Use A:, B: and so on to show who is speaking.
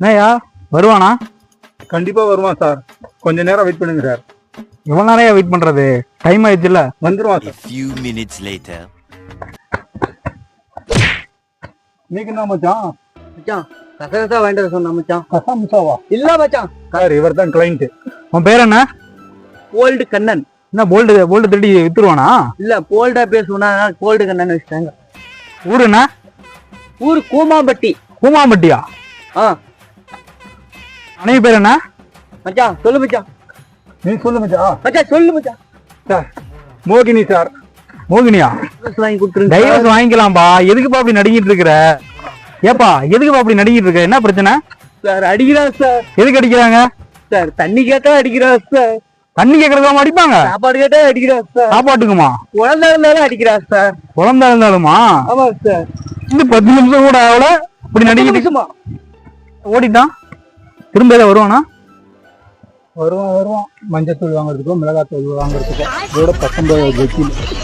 A: என்னய்யா வருவானா?
B: கண்டிப்பா வருவான் சார். கொஞ்ச நேரம் வெயிட் பண்ணுங்க சார்.
A: எவ்வளவு நேரம் வெயிட் பண்றது? டைம் ஆயிடுச்சுல்ல.
B: வந்துருவான்
C: A
B: சார்.
C: few minutes later.
B: நீங்க என்ன மச்சான்?
D: மச்சான் கசகசா வாங்கிட்டு வர சொன்னா மச்சான்.
B: கசாமுசாவா?
D: இல்ல மச்சான்,
B: சார் இவர் தான் கிளைண்ட்.
A: உன் பேர் என்ன?
D: கோல்டு கண்ணன்.
A: என்ன போல்டு திருடி வித்துருவானா?
D: இல்ல போல்டா பேசுனா கோல்டு கண்ணன் வச்சுட்டாங்க.
A: ஊரு என்ன?
D: ஊரு கூமாம்பட்டி.
A: கூமாம்பட்டியா?
D: ஆ
A: மனைவி பேர் என்ன?
D: மச்சான் சொல்லு மச்சான்.
B: நீ சொல்லு மச்சான்.
D: மச்சான் சொல்லு மச்சான்.
B: சார் மோகினி சார்.
A: மோகினியா?
D: வாங்கி கொடுத்துருங்க.
A: டைவர்ஸ் வாங்கிக்கலாம்பா. எதுக்குப்பா அப்படி நடிக்கிட்டு இருக்கிற? ஏப்பா எதுக்குப்பா அப்படி நடிக்கிட்டு இருக்க? என்ன பிரச்சனை?
D: சார் அடிக்கிறான் சார்.
A: எதுக்கு அடிக்கிறாங்க?
D: சார் தண்ணி கேட்டா அடிக்கிறான் சார்.
A: தண்ணி கேட்கறதாம அடிப்பாங்க?
D: சாப்பாடு கேட்டா அடிக்கிறான் சார்.
A: சாப்பாட்டுக்குமா?
D: குழந்தை இருந்தாலும் அடிக்கிறான் சார்.
A: குழந்தை இருந்தாலுமா?
D: ஆமா சார்.
A: இன்னும் 10 நிமிஷம் கூட ஆகல இப்படி நடிக்கிட்டு
D: நிமிஷமா
A: ஓடிட்டான். திரும்ப ஏதாவது வருவானா?
B: வருவான். மஞ்சத்தூள் வாங்குறதுக்கோ மிளகாத்தூள் வாங்குறதுக்கோ இதோட 19 வெக்கில்